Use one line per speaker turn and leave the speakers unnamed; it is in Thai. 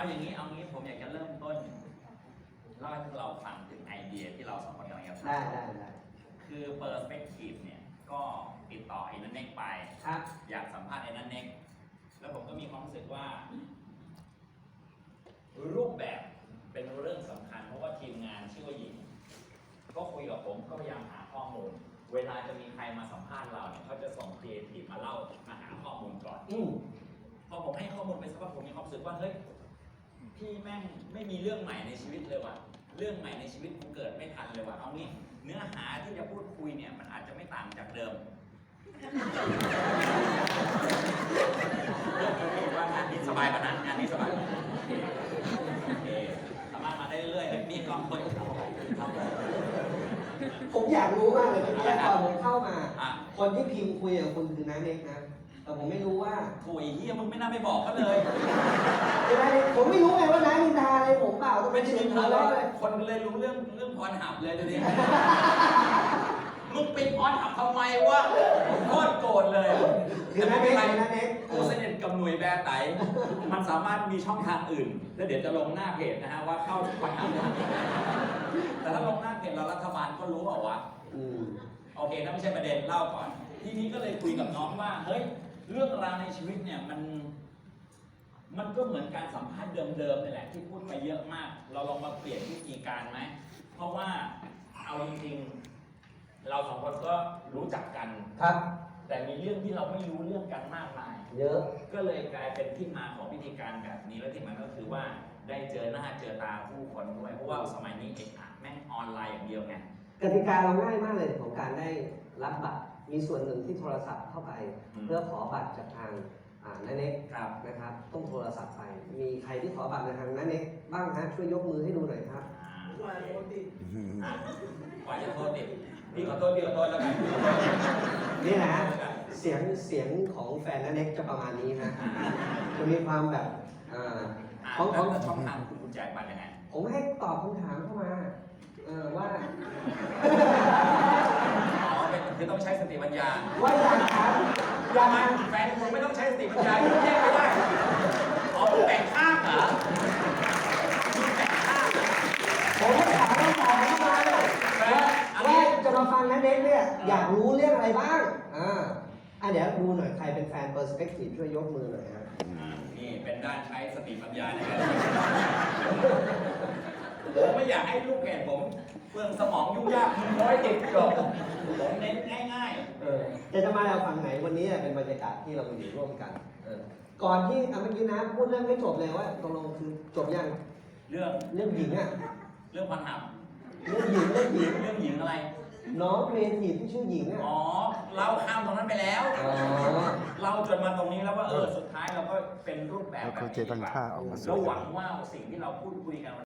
อย่างนี้ผมอยากจะเริ่มต้นเล่าให้พวกเราฟังถึงไอเดียที่เราสองคนกำลังจะทำ
ได้
คือ Perspective เนี่ยก็ติดต่อไอ้นั่นเน็กไปอยากสัมภาษณ์ไอ้นั่นเน็กแล้วผมก็มีความรู้สึกว่า รูปแบบเป็นเรื่องสำคัญเพราะว่าทีมงานชื่อว่าหญิงก็คุยกับผมก็พยายามหาข้อมูลเวลาจะมีใครมาสัมภาษณ์เราเนี่ยเขาจะส่งครีเอทีฟมาเล่ามาหาข้อมูลก่อนพอผมให้ข้อมูลไปสักพักผมมีความรู้สึกว่าเฮ้ยพี่แม่งไม่มีเรื่องใหม่ในชีวิตเลยว่ะเรื่องใหม่ในชีวิตกูเกิดไม่ทันเลยว่ะเอางี้เนื้อหาที่จะพูดคุยเนี่ยมันอาจจะไม่ต่างจากเดิมว่างานนี้สบายกว่านั้นงานนี้สบายโอเคทำมาได้เรื่อยๆมีกองคน
ผมอยากรู้มากเลยเมื่อกี้ตอนผมเข้ามาคนที่พิมพ์คุยกับคุณคือน้าเน็กนะแต่ผมไม่รู้ว่า
ถุยเฮียมึงไม่น่าไปบอกเขาเลย
ผมไม่รู้ไงว่าน้านินทาอะไรผมเปล่าต้อง
ไม่
เป็น
นินทาเลยคนเลยรู้เรื่องพรหับเลยเดี๋ยวนี้มึงปิดพรหับทำไมวะโคตรโกรธเลย
คือน้าเน็ก
กูสนิทกับหน่วยแบร์ไตมันสามารถมีช่องทางอื่นแล้วเดี๋ยวจะลงหน้าเพจนะฮะว่าเข้าพรหับแต่ถ้าลงหน้าเพจเรารัฐบาลก็รู้เปล่าวะโอเคนั่นไม่ใช่ประเด็นเล่าก่อนทีนี้ก็เลยคุยกับน้องว่าเฮ้ยเรื่องราวในชีวิตเนี่ยมันก็เหมือนการสัมภาษณ์เดิมๆนี่แหละที่พูดไปเยอะมากเราลองมาเปลี่ยนวิธีการไหมเพราะว่าเอาจริงๆเราสองคนก็รู้จักกัน
ครับ
แต่มีเรื่องที่เราไม่รู้เรื่องกันมากมาย
เยอะ
ก็เลยกลายเป็นที่มาของวิธีการแบบนี้และที่มันก็คือว่าได้เจอหน้าเจอตาผู้คนด้วยเพราะว่าสมัยนี้เอกอะแม่งออนไลน์อย่างเดียวไง
กติกาเราง่ายมากเลยของการได้รับบัตรมีส่วนหนึ่งที่โทรศัพท์เข้าไปเพื่อขอบัตรจากทางน้าเน็กนะครับต้องโทรศัพท์ไปมีใครที่ขอบัตรในทางน้าเน็กบ้างฮะช่วยยกมือให้ดูหน่อยครับ
ว่าจะโทษติดพี่ขอโทษแล้วกัน
นี่นะเสียงของแฟนน้าเน็กจะประมาณนี้นะจะมีความแบบ
ของช่องทางคุณแจกบัตรยังไง
ผมให้ตอบคำถามเข้ามาว่า
คือต้องใช้สติปัญญา
ว่าอย่างครับ
ยังไงแฟนคุณไม่ต้องใช้สติปัญญาคุณแยกไม่ได้คุณแบ่งข้างเหรอคุณแบ่งข้าง
ผมให้ถามคำตอบเข้ามาว่าจะมาฟังนะเน็กเนี่ยอยากรู้เรื่องอะไรบ้างเดี๋ยวดูหน่อยใครเป็นแฟน Perspective ช่วยยกมือหน่อยครับ
นี่เป็นด้านใช้สติปัญญาในการผมไม่อยากให้ลูกเพจผมเปลืองสมองยุ่งยาก100 ติดจบผมเน้นง่าย
ๆจะมาเราฝั่งไหนวันนี้เป็นบรรยากาศที่เราอยู่ร่วมกันก่อนที่เมื่อกี้นะพูดเรื่องไม่จบเลยว่าตกลงคือจบยัง
เรื่อง
หญิง
เรื่องพันหับ
เรื่องหญิง
อะไร
น้องเรียนหญิงที่ชื่อหญิง
เราข้ามตรงนั้นไปแล้วเราจนมาตรงนี้แล้วว่าสุดท้ายเราก็เป็นรูปแบบแบบนี้แล้วหวังว่าสิ่งที่เราพูดคุยกัน